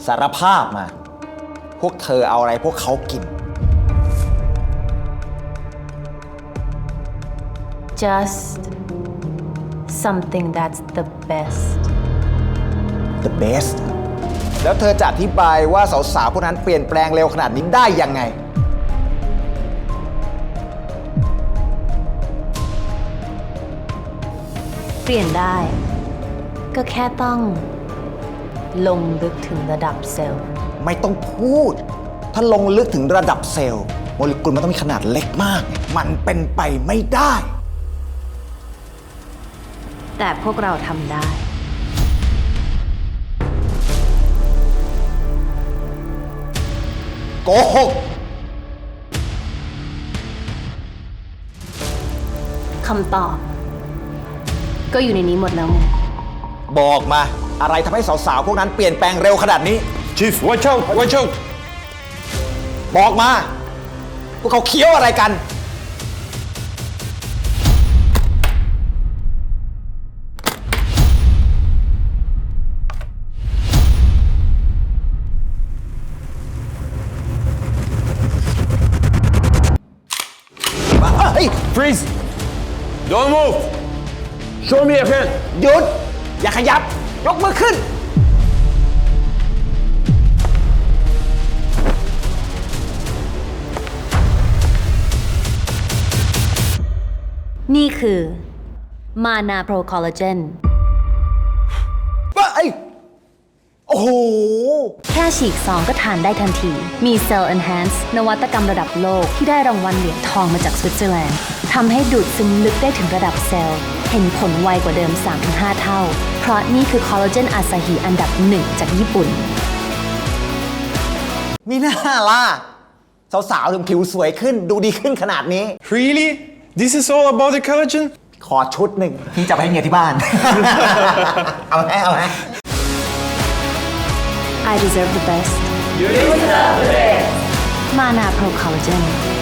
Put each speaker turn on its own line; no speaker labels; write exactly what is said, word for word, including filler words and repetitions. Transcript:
สารภาพมาพวกเธอเอาอะไรพวกเขากิน
just something that's the best
the best แล้วเธอจะอธิบายว่าสาวๆพวกนั้นเปลี่ยนแปลงเร็วขนาดนี้ได้ยังไง
เปลี่ยนได้ก็แค่ต้องลงลึกถึงระดับเซลล์
ไม่ต้องพูดถ้าลงลึกถึงระดับเซลล์โมเลกุลมันต้องมีขนาดเล็กมากมันเป็นไปไม่ได้
แต่พวกเราทำได้
โกหก
คำตอบก็อยู่ในนี้หมดแล้วไง
บอกมาอะไรทำให้สาวๆพวกนั้นเปลี่ยนแปลงเร็วขนาดนี้
Chief watch out watch out
บอกมาพวกเขาเคี้ยวอะไรกันเฮ้ย
freeze don't move show me your hand
หยุดอย่าขยับยกมือขึ้น
นี่คือมานาโปรคอลลาเจน
ว่าไอ้โอ้โห
แค่ฉีกซองก็ทานได้ทันทีมี Cell Enhance นวัตกรรมระดับโลกที่ได้รางวัลเหรียญทองมาจากสวิตเซอร์แลนด์ทำให้ดูดซึมลึกได้ถึงระดับเซลล์เห็นผลไวกว่าเดิม สามถึงห้า เท่าเพราะนี่คือคอลลาเจนอาซาฮิอันดับหนึ่งจากญี่ปุ่น
มีหน้าล่ะสาวๆถึงผิวสวยขึ้นดูดีขึ้นขนาดนี้
really this is all about the collagen
ขอชุดหนึ่งพี่จะไปให้เมียที่บ้าน เอาไหมเอาไหม
I deserve the best You deserve the best มานาโปรคอลลาเจน